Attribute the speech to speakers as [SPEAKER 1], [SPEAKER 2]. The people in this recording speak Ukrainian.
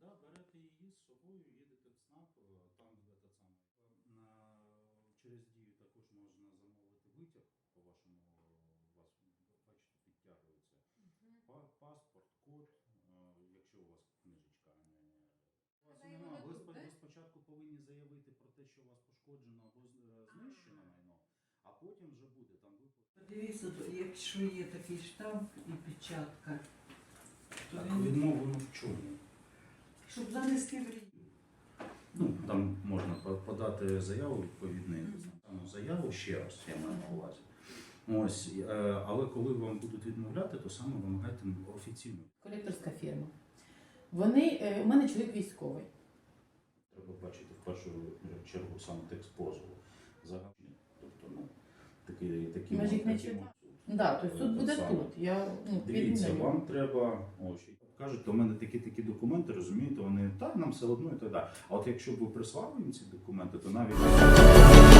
[SPEAKER 1] Да, берете її з собою, їдете в ЦНАП, там этот самий. Через дію також можна замовити витяг по вашому, у вас, бачите, підтягується. Паспорт, код, якщо у вас книжечка, а не... Ви спочатку повинні заявити про те, що у вас пошкоджено або знищено майно, а потім вже буде там виплата.
[SPEAKER 2] Подивіться, якщо є такий штамп і печатка, то
[SPEAKER 1] Так,
[SPEAKER 2] він...
[SPEAKER 1] відмовлено в чому?
[SPEAKER 2] Щоб занести в рік.
[SPEAKER 1] Ну, там можна подати заяву відповідну, заяву ще раз, я маю на увазі. Ось, але коли вам будуть відмовляти, то саме вимагайте офіційно.
[SPEAKER 3] Колекторська фірма. Вони, у мене чоловік військовий.
[SPEAKER 1] Треба бачити в першу чергу саме текст позову. Загальний, тобто, ну, такі
[SPEAKER 3] Ми ж їх не читали. Да, тобто суд буде тут.
[SPEAKER 1] Дивіться, вам треба, кажуть, у мене такі документи, розумієте, вони, так, нам все одно і так далі. А от якщо б ви прислали їм ці документи, то навіть...